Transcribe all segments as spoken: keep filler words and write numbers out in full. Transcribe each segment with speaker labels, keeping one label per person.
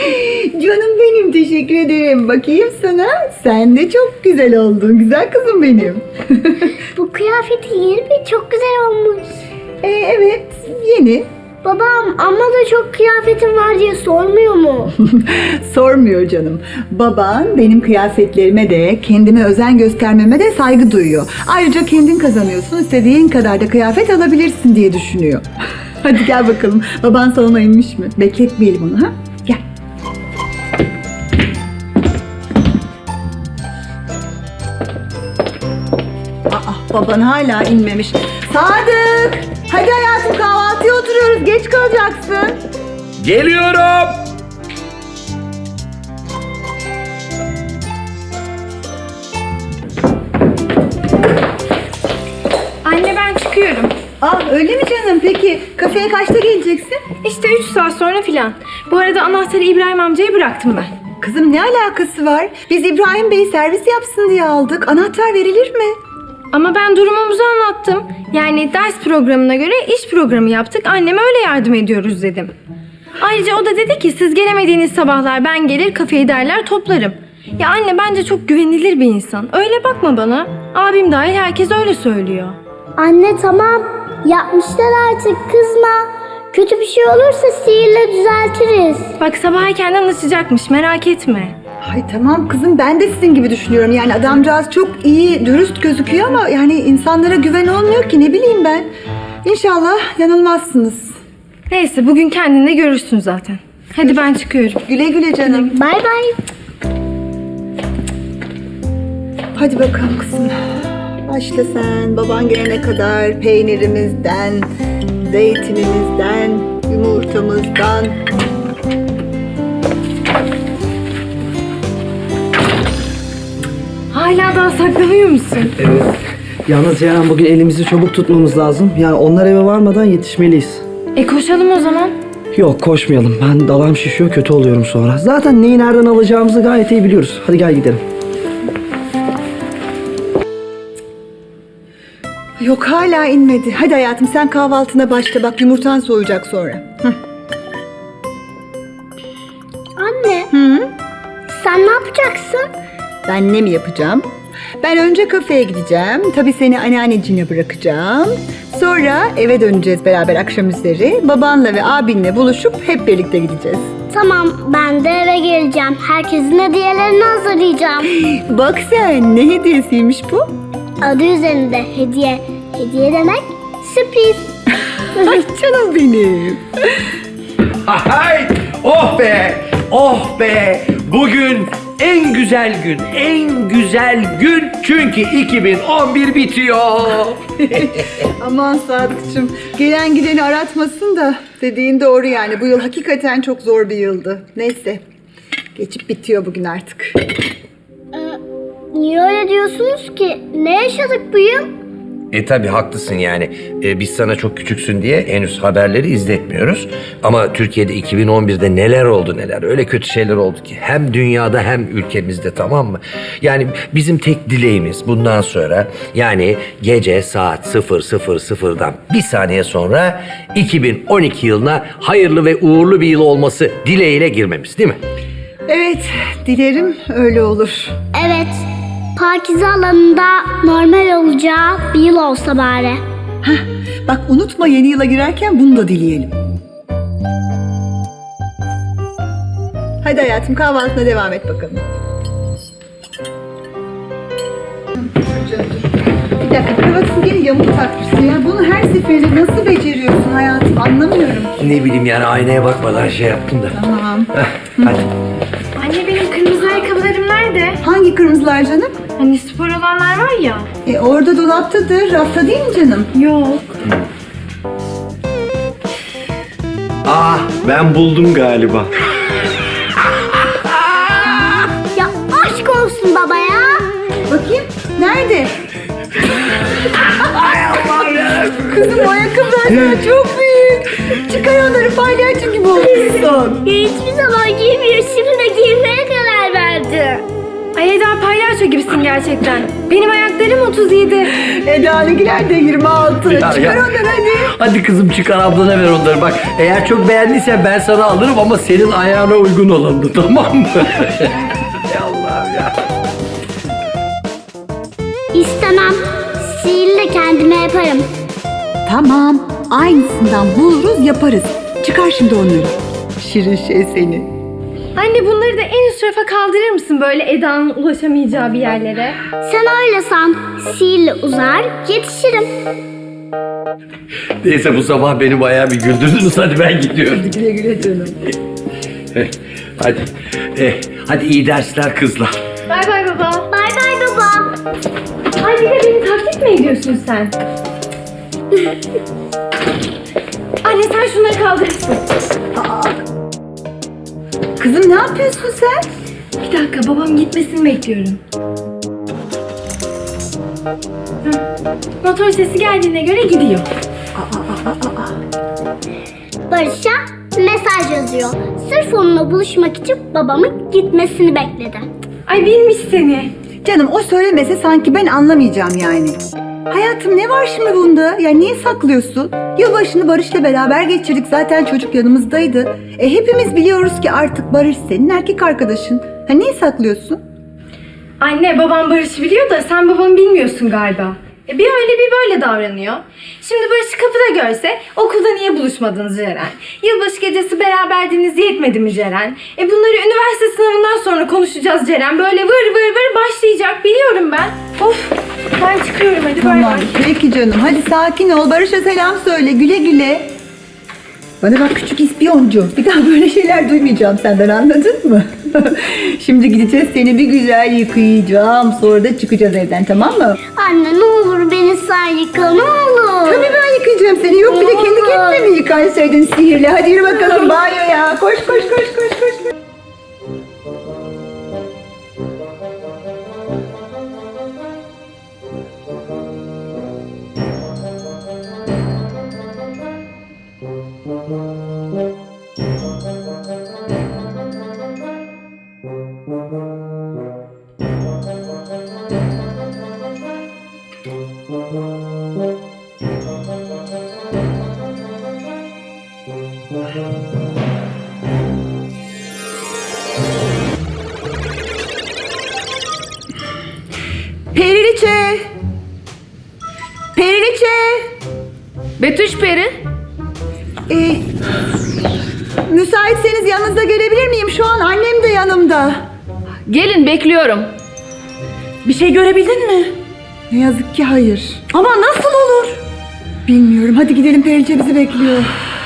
Speaker 1: Canım benim, teşekkür ederim. Bakayım sana. Sen de çok güzel oldun. Güzel kızım benim.
Speaker 2: Bu kıyafeti yeni mi? Çok güzel olmuş.
Speaker 1: Ee, evet, yeni.
Speaker 2: Babam amma da çok kıyafetim var diye sormuyor mu?
Speaker 1: Sormuyor canım. Baban benim kıyafetlerime de, kendime özen göstermeme de saygı duyuyor. Ayrıca kendin kazanıyorsun, istediğin kadar da kıyafet alabilirsin diye düşünüyor. Hadi gel bakalım. Baban salona inmiş mi? Bekletmeyelim onu, ha? Gel. Aa, baban hala inmemiş. Sadık! Hadi hayatım, kahvaltıya oturuyoruz. Geç kalacaksın.
Speaker 3: Geliyorum.
Speaker 4: Anne ben çıkıyorum.
Speaker 1: Aa, öyle mi canım? Peki kafeye kaçta geleceksin?
Speaker 4: İşte üç saat sonra filan. Bu arada anahtarı İbrahim amcaya bıraktım ben.
Speaker 1: Kızım, ne alakası var? Biz İbrahim Bey'i servis yapsın diye aldık. Anahtar verilir mi?
Speaker 4: Ama ben durumumuzu anlattım. Yani ders programına göre iş programı yaptık. Anneme öyle yardım ediyoruz dedim. Ayrıca o da dedi ki siz gelemediğiniz sabahlar ben gelir kafeyi derler toplarım. Ya anne bence çok güvenilir bir insan. Öyle bakma bana. Abim dahil herkes öyle söylüyor.
Speaker 2: Anne tamam. Yapmışlar artık, kızma. Kötü bir şey olursa sihirle düzeltiriz.
Speaker 4: Bak sabah erkenden açacakmış merak etme.
Speaker 1: Ay tamam kızım, ben de sizin gibi düşünüyorum. Yani adamcağız çok iyi, dürüst gözüküyor ama yani insanlara güven olmuyor ki, ne bileyim ben. İnşallah yanılmazsınız.
Speaker 4: Neyse bugün kendin de görürsün zaten. Hadi ben çıkıyorum.
Speaker 1: Güle güle canım.
Speaker 2: Bay bay.
Speaker 1: Hadi bakalım kızım. Başla sen. Baban gelene kadar peynirimizden, zeytinimizden, yumurtamızdan.
Speaker 4: Hala daha saklanıyor musun?
Speaker 5: Evet. Yalnız Ceyhan, bugün elimizi çabuk tutmamız lazım. Yani onlar eve varmadan yetişmeliyiz.
Speaker 4: E koşalım o zaman.
Speaker 5: Yok, koşmayalım. Ben dalağım şişiyor, kötü oluyorum sonra. Zaten neyi nereden alacağımızı gayet iyi biliyoruz. Hadi gel gidelim.
Speaker 1: Yok, hala inmedi. Hadi hayatım, sen kahvaltına başla. Bak yumurtan soğuyacak sonra. Hı.
Speaker 2: Anne,
Speaker 1: Hı?
Speaker 2: sen ne yapacaksın?
Speaker 1: Ben ne mi yapacağım? Ben önce kafeye gideceğim. Tabii seni anneanneciğine bırakacağım. Sonra eve döneceğiz beraber akşam üzeri. Babanla ve abinle buluşup hep birlikte gideceğiz.
Speaker 2: Tamam, ben de eve geleceğim. Herkesin hediyelerini hazırlayacağım.
Speaker 1: Bak sen, ne hediyesiymiş bu?
Speaker 2: Adı üzerinde hediye. Hediye demek sürpriz.
Speaker 1: Ay canım benim.
Speaker 3: Hay! Oh be! Oh be! Bugün en güzel gün, en güzel gün çünkü iki bin on bir bitiyor.
Speaker 1: Aman Sadıkçım, gelen gideni aratmasın da dediğin doğru yani. Bu yıl hakikaten çok zor bir yıldı. Neyse, geçip bitiyor bugün artık.
Speaker 2: Ee, niye öyle diyorsunuz ki? Ne yaşadık bu yıl?
Speaker 3: E tabi haklısın yani. E, biz sana çok küçüksün diye henüz haberleri izletmiyoruz. Ama Türkiye'de iki bin on birde neler oldu neler. Öyle kötü şeyler oldu ki. Hem dünyada hem ülkemizde, tamam mı? Yani bizim tek dileğimiz bundan sonra, yani gece saat sıfır sıfır sıfırdan bir saniye sonra iki bin on iki yılına hayırlı ve uğurlu bir yıl olması dileğiyle girmemiz, değil mi?
Speaker 1: Evet, dilerim öyle olur.
Speaker 2: Evet, Pakize alanında normal olacağı bir yıl olsa bari.
Speaker 1: Bak unutma, yeni yıla girerken bunu da dileyelim. Hadi hayatım, kahvaltına devam et bakalım. Dur canım, dur. Bir dakika, kravatını gene yamuk takmışsın ya. Bunu her seferinde nasıl beceriyorsun hayatım, anlamıyorum.
Speaker 3: Ne bileyim yani, aynaya bakmadan şey yaptım da.
Speaker 1: Tamam.
Speaker 3: Heh, hadi.
Speaker 4: Anne benim kırmızı ayakkabılarım nerede?
Speaker 1: Hangi kırmızılar canım?
Speaker 4: Hani spor olanlar var ya.
Speaker 1: E orada dolaptadır, rafta değil mi canım?
Speaker 4: Yok.
Speaker 5: Ah, ben buldum galiba.
Speaker 2: Ya aşk olsun baba ya.
Speaker 1: Bakayım, nerede? Ay Allah'ım. Kızım, o ayakkabılar sana çok büyük. Çıkar onları, palyaço gibi olmuşsun.
Speaker 2: Hiçbir zaman giymiyor. Şimdi de giymeye karar verdi.
Speaker 4: Ay Eda palyaço gibisin gerçekten. Benim ayaklarım otuz yedi.
Speaker 1: Eda'nınkiler de yirmi altı.
Speaker 3: Ya,
Speaker 1: Çıkar
Speaker 3: ya.
Speaker 1: onları hadi.
Speaker 3: Hadi kızım çıkar ablana ver onları bak. Eğer çok beğendiysen ben sana alırım ama senin ayağına uygun olanı, tamam mı? Ya Allah'ım ya.
Speaker 2: İstemem. Sihirle kendime yaparım.
Speaker 1: Tamam. Aynısından buluruz yaparız. Çıkar şimdi onları. Şirin şey seni.
Speaker 4: Anne bunları da en üst rafa kaldırır mısın böyle Eda'nın ulaşamayacağı bir yerlere?
Speaker 2: Sen öyle san. Sihirle uzar, yetişirim.
Speaker 3: Neyse bu sabah beni bayağı bir güldürdünüz. Hadi ben gidiyorum.
Speaker 1: Güle güle canım.
Speaker 3: Hadi. Eh, hadi iyi dersler kızlar.
Speaker 4: Bay bay baba.
Speaker 2: Bay bay baba.
Speaker 4: Ay bir de beni taklit mi ediyorsun sen? Anne sen şunları kaldırırsın.
Speaker 1: Kızım ne yapıyorsun sen?
Speaker 4: Bir dakika babam gitmesini bekliyorum. Hı. Motor sesi geldiğine göre gidiyor.
Speaker 2: Barış'a mesaj yazıyor. Sırf onunla buluşmak için babamın gitmesini bekledi.
Speaker 4: Ay bilmiş seni.
Speaker 1: Canım o söylemese sanki ben anlamayacağım yani. Hayatım ne var şimdi bunda? Ya niye saklıyorsun? Yılbaşını Barış'la beraber geçirdik. Zaten çocuk yanımızdaydı. E hepimiz biliyoruz ki artık Barış senin erkek arkadaşın. Ha niye saklıyorsun?
Speaker 4: Anne babam Barış'ı biliyor da sen babamı bilmiyorsun galiba. E bir öyle bir böyle davranıyor. Şimdi Barış'ı kapıda görse okulda niye buluşmadınız Ceren? Yılbaşı gecesi beraberdiniz yetmedi mi Ceren? E bunları üniversite sınavından sonra konuşacağız Ceren. Böyle vır vır vır başlayacak biliyorum ben. Of ben çıkıyorum hadi bay
Speaker 1: Tamam
Speaker 4: bay.
Speaker 1: peki canım. Hadi sakin ol. Barış'a selam söyle. Güle güle. Bana bak küçük ispiyoncu. Bir daha böyle şeyler duymayacağım senden, anladın mı? Şimdi gideceğiz seni bir güzel yıkayacağım. Sonra da çıkacağız evden, tamam mı?
Speaker 2: Anne ne olur beni sen yıka ne olur.
Speaker 1: Tabii ben yıkayacağım seni. Yok bir de kendi kendine mi yıkansaydın sihirle? Hadi yürü bakalım banyoya. Koş koş koş koş koş. Periliçe. Periliçe.
Speaker 6: Betüş Peri.
Speaker 1: Ee, müsaitseniz yanınıza gelebilir miyim? Şu an annem de yanımda.
Speaker 6: Gelin bekliyorum.
Speaker 1: Bir şey görebildin mi? Ne yazık ki hayır. Ama nasıl olur? Bilmiyorum. Hadi gidelim, Perice bizi bekliyor.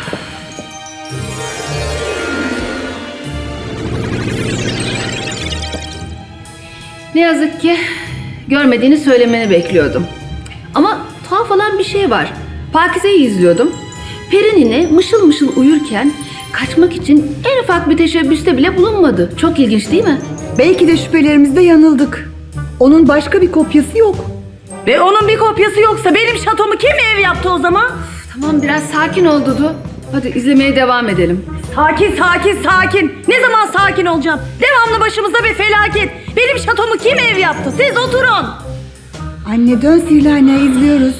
Speaker 6: Ne yazık ki görmediğini söylemeni bekliyordum. Ama tuhaf olan bir şey var. Pakize'yi izliyordum. Peri nine mışıl mışıl uyurken kaçmak için en ufak bir teşebbüste bile bulunmadı. Çok ilginç değil mi?
Speaker 1: Belki de şüphelerimizde yanıldık. Onun başka bir kopyası yok.
Speaker 7: Ve onun bir kopyası yoksa benim şatomu kim ev yaptı o zaman?
Speaker 6: Tamam biraz sakin ol Dudu. Hadi izlemeye devam edelim.
Speaker 7: Sakin sakin sakin. Ne zaman sakin olacağım? Devamlı başımıza bir felaket. Benim şatomu kim ev yaptı? Siz oturun.
Speaker 1: Anne dön sihirli aynayı izliyoruz.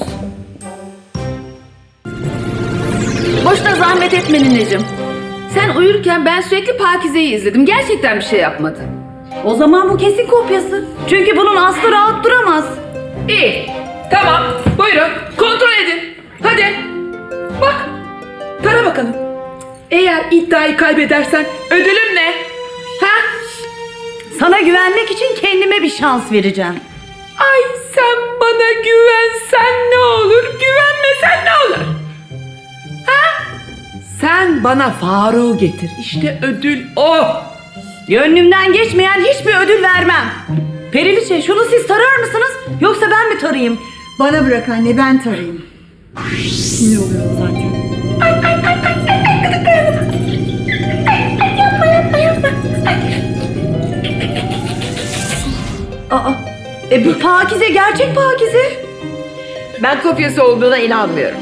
Speaker 6: Boşuna zahmet etme nineciğim. Sen uyurken ben sürekli Pakize'yi izledim. Gerçekten bir şey yapmadı.
Speaker 7: O zaman bu kesin kopyası. Çünkü bunun aslı rahat duramaz.
Speaker 8: İyi. Tamam. Buyurun. Kontrol edin. Hadi. Bak. Tara bakalım. Eğer iddiayı kaybedersen ödülüm ne? Ha?
Speaker 7: Sana güvenmek için kendime bir şans vereceğim.
Speaker 8: Ay sen bana güvensen ne olur? Güvenmesen ne olur? Ha? Sen bana Faruk'u getir. İşte ödül o.
Speaker 7: Gönlümden geçmeyen hiçbir ödül vermem. Periliçe şunu siz tarar mısınız? Yoksa ben mi tarayayım?
Speaker 1: Bana bırak anne, ben tarayayım. Sinir oluyorum zaten.
Speaker 7: Aa, e bu Pakize gerçek Pakize.
Speaker 8: Ben kopyası olduğuna inanmıyorum.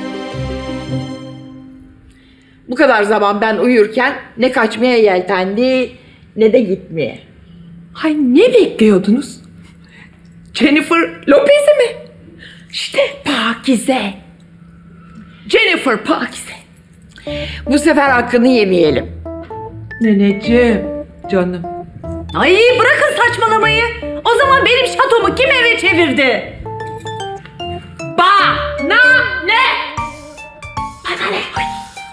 Speaker 8: Bu kadar zaman ben uyurken ne kaçmaya yeltendi ne de gitmeye. Ay ne bekliyordunuz? Jennifer Lopez'i mi? İşte Pakize. Jennifer Pakize.
Speaker 7: Bu sefer hakkını yemeyelim.
Speaker 8: Neneciğim, canım.
Speaker 7: Ay bırakın saçmalamayı. O zaman benim şatomu kim eve çevirdi?
Speaker 8: Bana ne?
Speaker 7: Bana ne? Ay.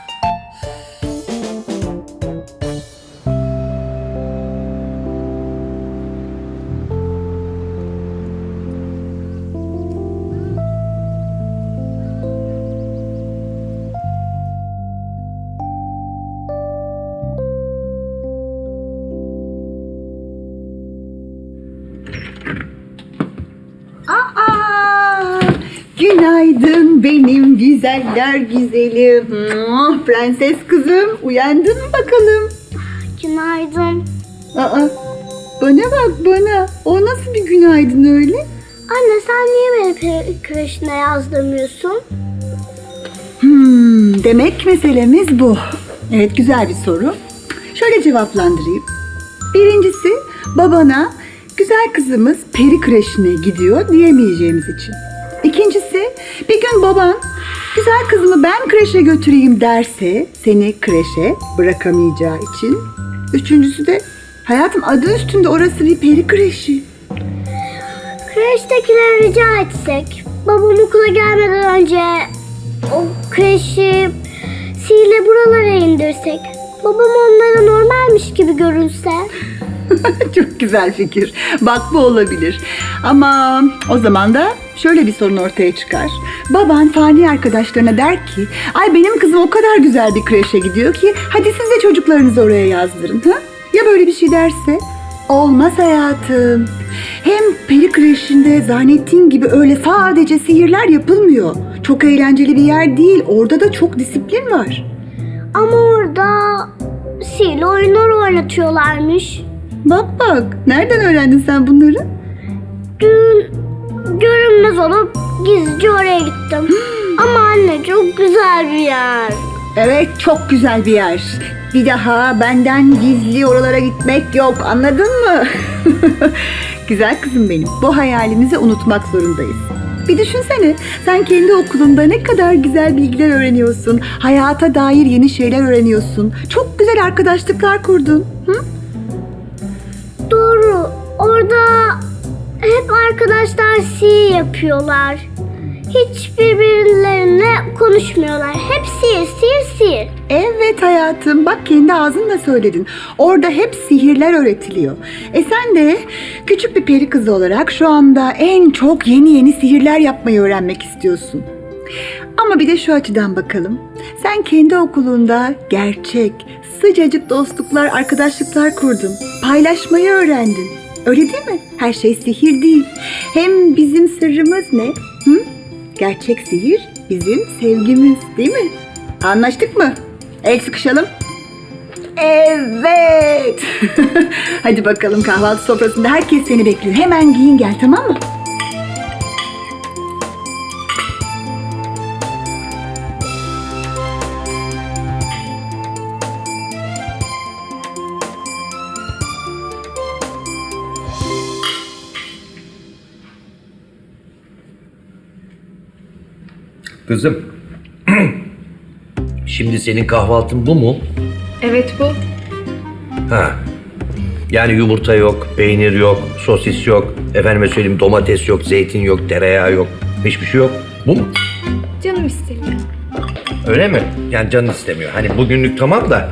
Speaker 1: Aa, günaydın benim güzeller güzelim. Muah, prenses kızım, uyandın mı bakalım?
Speaker 2: Günaydın.
Speaker 1: Aa, bana bak bana. O nasıl bir günaydın öyle?
Speaker 2: Anne sen niye beni peri kreşine yazdırmıyorsun?
Speaker 1: Hmm, demek meselemiz bu. Evet, güzel bir soru. Şöyle cevaplandırayım. Birincisi, babana güzel kızımız peri kreşine gidiyor diyemeyeceğimiz için. İkincisi, bir gün baban güzel kızımı ben kreşe götüreyim derse seni kreşe bırakamayacağı için. Üçüncüsü de hayatım adı üstünde orası bir peri kreşi.
Speaker 2: Kreştekilere rica etsek, babam okula gelmeden önce o kreşi sihirle buralara indirsek, babam onlara normalmiş gibi görünse.
Speaker 1: Çok güzel fikir. Bak bu olabilir. Ama o zaman da şöyle bir sorun ortaya çıkar. Baban fani arkadaşlarına der ki, ay benim kızım o kadar güzel bir kreşe gidiyor ki hadi siz de çocuklarınızı oraya yazdırın. Ha? Ya böyle bir şey derse? Olmaz hayatım. Hem peri kreşinde zannettiğin gibi öyle sadece sihirler yapılmıyor. Çok eğlenceli bir yer değil. Orada da çok disiplin var.
Speaker 2: Ama orada sihirli oyunlar oynatıyorlarmış.
Speaker 1: Bak bak. Nereden öğrendin sen bunları?
Speaker 2: Dün görünmez olup gizlice oraya gittim. Ama anne çok güzel bir yer.
Speaker 1: Evet, çok güzel bir yer. Bir daha benden gizli oralara gitmek yok. Anladın mı? Güzel kızım benim. Bu hayalimizi unutmak zorundayız. Bir düşünsene. Sen kendi okulunda ne kadar güzel bilgiler öğreniyorsun. Hayata dair yeni şeyler öğreniyorsun. Çok güzel arkadaşlıklar kurdun. Hı?
Speaker 2: Doğru. Orada hep arkadaşlar sihir yapıyorlar. Hiç birbirlerine konuşmuyorlar. Hep sihir, sihir, sihir.
Speaker 1: Evet hayatım. Bak kendi ağzınla söyledin. Orada hep sihirler öğretiliyor. E sen de küçük bir peri kızı olarak şu anda en çok yeni yeni sihirler yapmayı öğrenmek istiyorsun. Ama bir de şu açıdan bakalım. Sen kendi okulunda gerçek, sıcacık dostluklar, arkadaşlıklar kurdun. Paylaşmayı öğrendin. Öyle değil mi? Her şey sihir değil. Hem bizim sırrımız ne? Hı? Gerçek sihir bizim sevgimiz, değil mi? Anlaştık mı? El sıkışalım. Evet. Hadi bakalım, kahvaltı sofrasında herkes seni bekliyor. Hemen giyin gel, tamam mı?
Speaker 3: Kızım. Şimdi senin kahvaltın bu mu?
Speaker 4: Evet bu.
Speaker 3: Ha. Yani yumurta yok, peynir yok, sosis yok, efendime söyleyeyim domates yok, zeytin yok, tereyağı yok. Hiçbir şey yok. Bu mu?
Speaker 4: Canım istemiyor.
Speaker 3: Öyle mi? Yani canın istemiyor. Hani bugünlük tamam da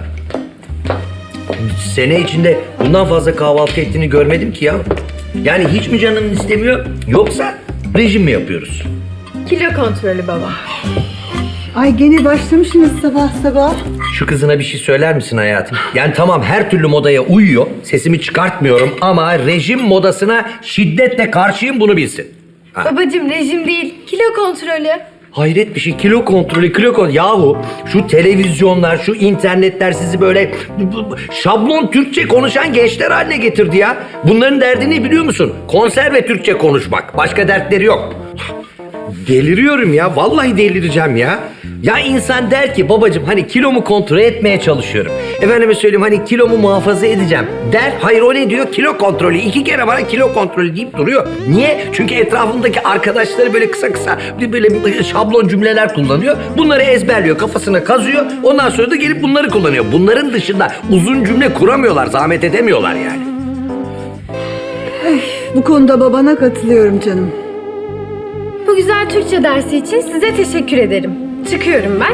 Speaker 3: sene içinde bundan fazla kahvaltı ettiğini görmedim ki ya. Yani hiç mi canın istemiyor yoksa rejim mi yapıyoruz?
Speaker 4: Kilo kontrolü baba.
Speaker 1: Ay gene başlamışsınız sabah sabah.
Speaker 3: Şu kızına bir şey söyler misin hayatım? Yani tamam her türlü modaya uyuyor. Sesimi çıkartmıyorum ama rejim modasına şiddetle karşıyım, bunu bilsin. Ha.
Speaker 4: Babacım rejim değil, kilo kontrolü.
Speaker 3: Hayret bir şey, kilo kontrolü, kilo kontrolü. Yahu şu televizyonlar, şu internetler sizi böyle şablon Türkçe konuşan gençler haline getirdi ya. Bunların derdini biliyor musun? Konserve Türkçe konuşmak. Başka dertleri yok. Deliriyorum ya, vallahi delireceğim ya. Ya insan der ki babacığım hani kilomu kontrol etmeye çalışıyorum. Efendime söyleyeyim hani kilomu muhafaza edeceğim der. Hayır o ne diyor? Kilo kontrolü. İki kere bana kilo kontrolü deyip duruyor. Niye? Çünkü etrafındaki arkadaşları böyle kısa kısa böyle şablon cümleler kullanıyor. Bunları ezberliyor, kafasına kazıyor. Ondan sonra da gelip bunları kullanıyor. Bunların dışında uzun cümle kuramıyorlar, zahmet edemiyorlar yani.
Speaker 1: Bu konuda babana katılıyorum canım.
Speaker 4: Bu güzel Türkçe dersi için size teşekkür ederim. Çıkıyorum ben.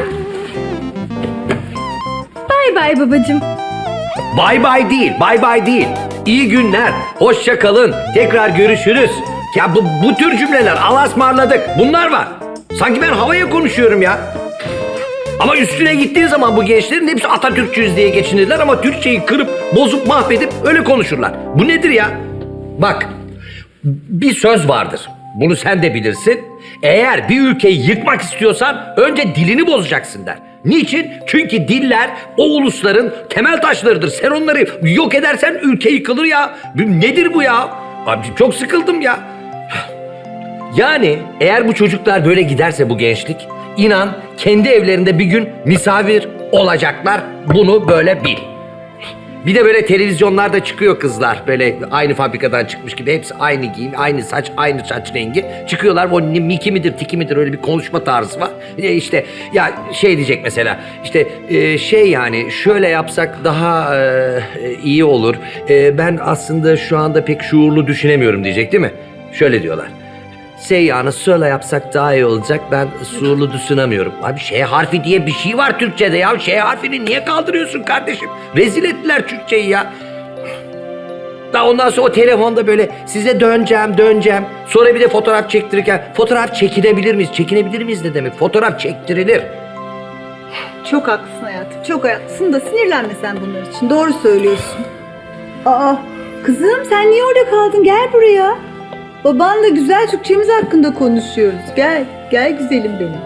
Speaker 4: Bay bay babacığım.
Speaker 3: Bay bay değil, bay bay değil. İyi günler, hoşça kalın, tekrar görüşürüz. Ya bu, bu tür cümleler, Allah'a ısmarladık, bunlar var. Sanki ben havaya konuşuyorum ya. Ama üstüne gittiğin zaman bu gençlerin hepsi Atatürkçüyüz diye geçinirler ama Türkçeyi kırıp, bozup, mahvedip öyle konuşurlar. Bu nedir ya? Bak, bir söz vardır. Bunu sen de bilirsin. Eğer bir ülkeyi yıkmak istiyorsan önce dilini bozacaksın der. Niçin? Çünkü diller o ulusların temel taşlarıdır. Sen onları yok edersen ülke yıkılır ya. Nedir bu ya? Abi çok sıkıldım ya. Yani eğer bu çocuklar böyle giderse bu gençlik, inan kendi evlerinde bir gün misafir olacaklar. Bunu böyle bil. Bir de böyle televizyonlarda çıkıyor kızlar. Böyle aynı fabrikadan çıkmış gibi. Hepsi aynı giyim, aynı saç, aynı saç rengi. Çıkıyorlar. O Miki midir, Tiki midir öyle bir konuşma tarzı var. E işte ya şey diyecek mesela. İşte e, şey yani şöyle yapsak daha e, iyi olur. E, ben aslında şu anda pek şuurlu düşünemiyorum diyecek değil mi? Şöyle diyorlar. Şey yani şöyle yapsak daha iyi olacak. Ben şuurlu düşünemiyorum. Abi şey harfi diye bir şey var Türkçe'de ya. Şey harfini niye kaldırıyorsun kardeşim? Rezil ettiler Türkçeyi ya. Daha ondan sonra o telefonda böyle size döneceğim döneceğim. Sonra bir de fotoğraf çektirirken fotoğraf çekinebilir miyiz? Çekinebilir miyiz ne demek? Fotoğraf çektirilir.
Speaker 1: Çok haklısın hayatım. Çok haklısın da sinirlenme sen bunlar için. Doğru söylüyorsun. Aa kızım sen niye orada kaldın? Gel buraya. Babanla güzel Türkçemiz hakkında konuşuyoruz. Gel. Gel güzelim benim.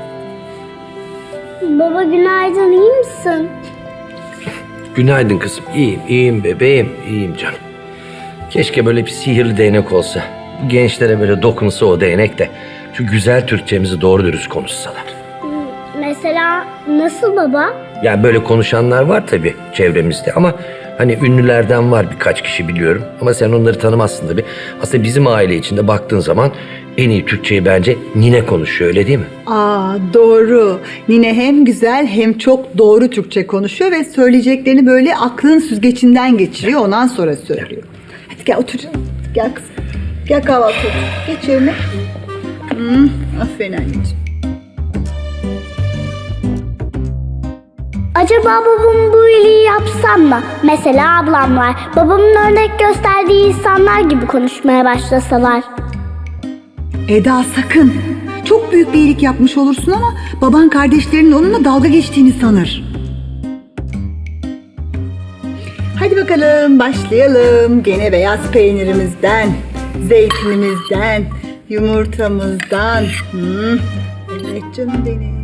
Speaker 2: Baba günaydın, iyi misin?
Speaker 3: Günaydın kızım. İyiyim, iyiyim bebeğim. İyiyim canım. Keşke böyle bir sihirli değnek olsa. Bu gençlere böyle dokunsa o değnek de şu güzel Türkçemizi doğru dürüst konuşsalar.
Speaker 2: Mesela nasıl baba?
Speaker 3: Yani böyle konuşanlar var tabii çevremizde ama hani ünlülerden var birkaç kişi biliyorum. Ama sen onları tanımazsın tabii. Aslında bizim aile içinde baktığın zaman en iyi Türkçeyi bence nine konuşuyor öyle değil mi?
Speaker 1: Aa doğru. Nine hem güzel hem çok doğru Türkçe konuşuyor ve söyleyeceklerini böyle aklın süzgecinden geçiriyor. Ondan sonra söylüyor. Hadi gel otur canım. Gel kızım. Gel kahvaltı otur. Geç yerine. Hmm, aferin anneciğim.
Speaker 2: Acaba babam bu iyiliği yapsam mı? Mesela ablamlar, babamın örnek gösterdiği insanlar gibi konuşmaya başlasalar.
Speaker 1: Eda sakın. Çok büyük bir iyilik yapmış olursun ama baban kardeşlerinin onunla dalga geçtiğini sanır. Hadi bakalım başlayalım. Gene beyaz peynirimizden, zeytinimizden, yumurtamızdan. Hmm. Evet canım benim.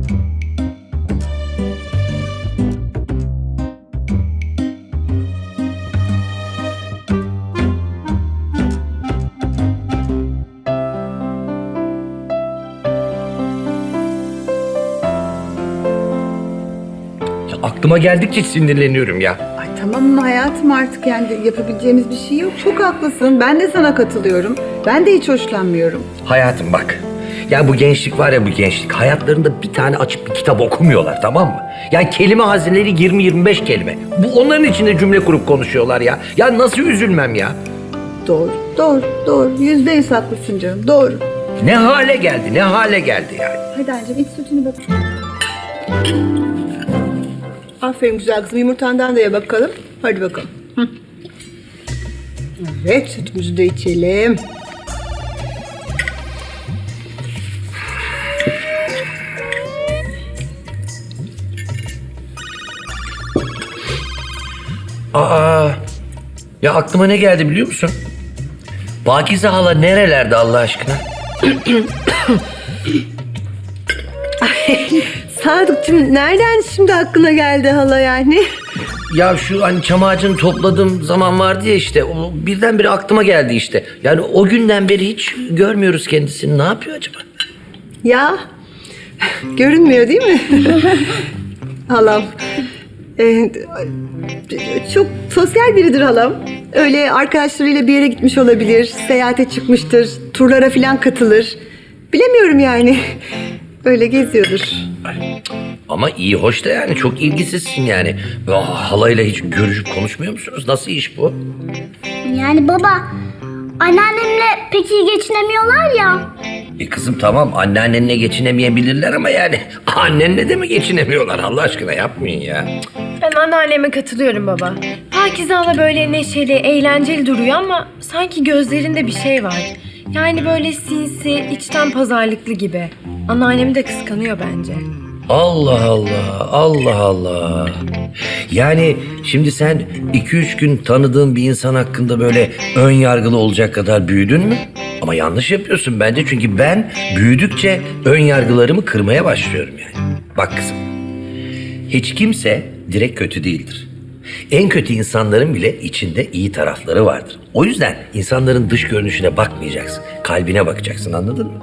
Speaker 3: Aklıma geldikçe sinirleniyorum ya.
Speaker 1: Ay tamam mı hayatım artık yani yapabileceğimiz bir şey yok. Çok haklısın. Ben de sana katılıyorum. Ben de hiç hoşlanmıyorum.
Speaker 3: Hayatım bak. Ya bu gençlik var ya bu gençlik. Hayatlarında bir tane açıp bir kitap okumuyorlar tamam mı? Ya kelime hazineleri yirmi yirmi beş kelime. Bu onların içinde cümle kurup konuşuyorlar ya. Ya nasıl üzülmem ya?
Speaker 1: Doğru, doğru, doğru. Yüzde yüz haklısın canım. Doğru.
Speaker 3: Ne hale geldi, ne hale geldi yani.
Speaker 1: Hadi anneciğim iç sütünü bak. Aferin güzel kızım. Yumurtandan da ye bakalım. Hadi bakalım. Hı. Evet sütümüzü de içelim.
Speaker 3: Aa, ya aklıma ne geldi biliyor musun? Pakize hala nerelerde Allah aşkına?
Speaker 9: Sadıkçım nereden şimdi aklına geldi hala yani?
Speaker 3: Ya şu hani çam ağacını topladığım zaman vardı ya işte. O birdenbire aklıma geldi işte. Yani o günden beri hiç görmüyoruz kendisini. Ne yapıyor acaba?
Speaker 1: Ya
Speaker 9: Görünmüyor değil mi? Halam. Ee, çok sosyal biridir halam. Öyle arkadaşlarıyla bir yere gitmiş olabilir, seyahate çıkmıştır, turlara falan katılır. Bilemiyorum yani. Öyle geziyordur.
Speaker 3: Ama iyi hoş da yani çok ilgisizsin yani. Ah, halayla hiç görüşüp konuşmuyor musunuz? Nasıl iş bu?
Speaker 2: Yani baba, anneannemle pek iyi geçinemiyorlar ya.
Speaker 3: E kızım tamam anneannenle geçinemeyebilirler ama yani annenle de mi geçinemiyorlar Allah aşkına yapmayın ya.
Speaker 4: Ben anneanneme katılıyorum baba. Pakize hala böyle neşeli, eğlenceli duruyor ama sanki gözlerinde bir şey var. Yani böyle sinsi, içten pazarlıklı gibi. Anneannemi de kıskanıyor bence.
Speaker 3: Allah Allah, Allah Allah. Yani şimdi sen iki üç gün tanıdığın bir insan hakkında böyle ön yargılı olacak kadar büyüdün mü? Ama yanlış yapıyorsun bence çünkü ben büyüdükçe ön yargılarımı kırmaya başlıyorum yani. Bak kızım, hiç kimse direkt kötü değildir. En kötü insanların bile içinde iyi tarafları vardır. O yüzden insanların dış görünüşüne bakmayacaksın, kalbine bakacaksın anladın mı?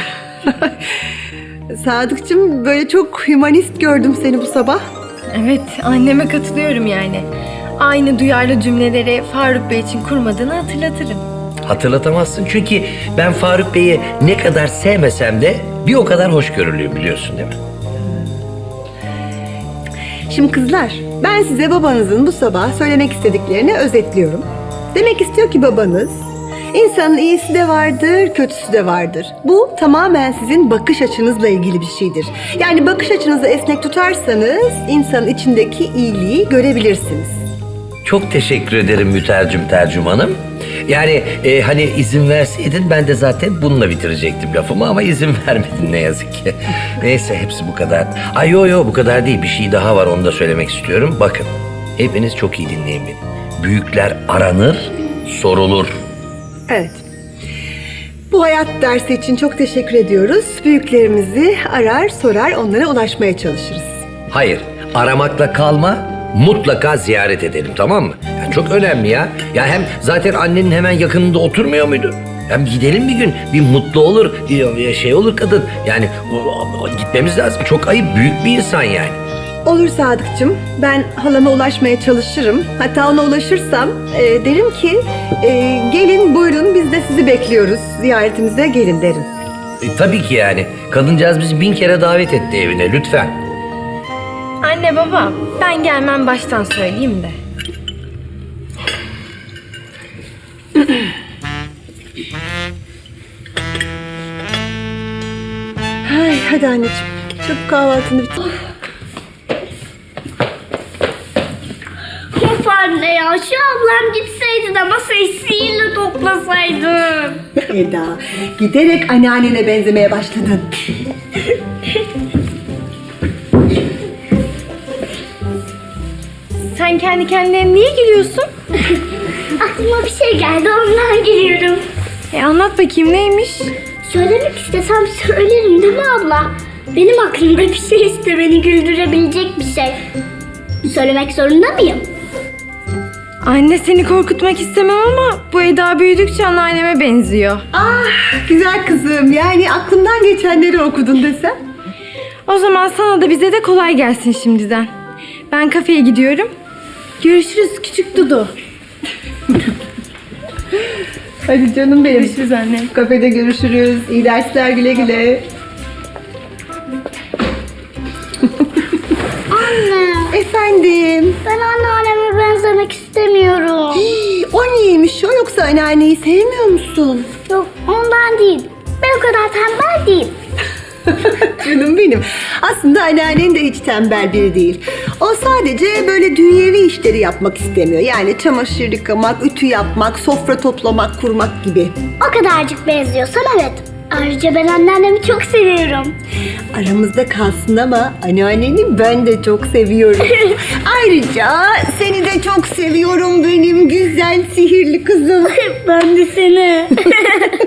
Speaker 9: Sadıkçım, böyle çok hümanist gördüm seni bu sabah.
Speaker 4: Evet, anneme katılıyorum yani. Aynı duyarlı cümleleri Faruk Bey için kurmadığını hatırlatırım.
Speaker 3: Hatırlatamazsın çünkü ben Faruk Bey'i ne kadar sevmesem de bir o kadar hoşgörülüyüm biliyorsun değil mi?
Speaker 9: Şimdi kızlar, ben size babanızın bu sabah söylemek istediklerini özetliyorum. Demek istiyor ki babanız, insanın iyisi de vardır, kötüsü de vardır. Bu tamamen sizin bakış açınızla ilgili bir şeydir. Yani bakış açınızı esnek tutarsanız insanın içindeki iyiliği görebilirsiniz.
Speaker 3: Çok teşekkür ederim mütercim tercümanım. Yani e, hani izin verseydin ben de zaten bununla bitirecektim lafımı ama izin vermedin ne yazık ki. Neyse hepsi bu kadar. Ay yo yo bu kadar değil bir şey daha var onu da söylemek istiyorum. Bakın hepiniz çok iyi dinleyin beni. Büyükler aranır, sorulur.
Speaker 9: Evet. Bu hayat dersi için çok teşekkür ediyoruz. Büyüklerimizi arar, sorar, onlara ulaşmaya çalışırız.
Speaker 3: Hayır aramakla kalma mutlaka ziyaret edelim tamam mı? Ya çok önemli ya. Ya hem zaten annenin hemen yakınında oturmuyor muydu? Hem gidelim bir gün bir mutlu olur bir şey olur kadın. Yani o- o- gitmemiz lazım. Çok ayıp büyük bir insan yani.
Speaker 9: Olur Sadıkçım, ben halama ulaşmaya çalışırım. Hatta ona ulaşırsam e, derim ki e, gelin buyurun biz de sizi bekliyoruz. Ziyaretimize gelin derim.
Speaker 3: E, tabii ki yani. Kadıncağız bizi bin kere davet etti evine lütfen.
Speaker 4: Anne baba, ben gelmem baştan söyleyeyim de.
Speaker 9: Ay, hadi anneciğim, çabuk kahvaltını bitir.
Speaker 2: Of anne ya, şu ablam gitseydi de masayı sihirle toplasaydı.
Speaker 1: Eda, giderek anneannene benzemeye başladın.
Speaker 4: Sen kendi kendine niye gülüyorsun?
Speaker 2: Aklıma bir şey geldi, ondan geliyorum.
Speaker 4: E anlat bakayım neymiş?
Speaker 2: Söylemek istesem söylerim değil mi abla? Benim aklımda bir şey işte, beni güldürebilecek bir şey. Söylemek zorunda mıyım?
Speaker 4: Anne seni korkutmak istemem ama bu Eda büyüdükçe anneanneme benziyor.
Speaker 1: Ah, güzel kızım. Yani aklımdan geçenleri okudun desem.
Speaker 4: O zaman sana da bize de kolay gelsin şimdiden. Ben kafeye gidiyorum. Görüşürüz küçük Dudu.
Speaker 1: Hadi canım benim.
Speaker 4: Görüşürüz anne.
Speaker 1: Kafede görüşürüz. İyi dersler, güle güle.
Speaker 2: Anne,
Speaker 1: Efendim.
Speaker 2: ben anneanneme benzemek istemiyorum.
Speaker 1: Hii, o neymiş o yoksa anneanneyi sevmiyor musun?
Speaker 2: Yok, ondan değil. Ben o kadar tembel değilim.
Speaker 1: Canım benim. Aslında anneannen de hiç tembel biri değil. O sadece böyle dünyevi işleri yapmak istemiyor. Yani çamaşır yıkamak, ütü yapmak, sofra toplamak, kurmak gibi.
Speaker 2: O kadarcık benziyorsam evet. Ayrıca ben anneannemi çok seviyorum.
Speaker 1: Aramızda kalsın ama anneanneni ben de çok seviyorum. Ayrıca seni de çok seviyorum benim güzel sihirli kızım.
Speaker 2: Ben de seni.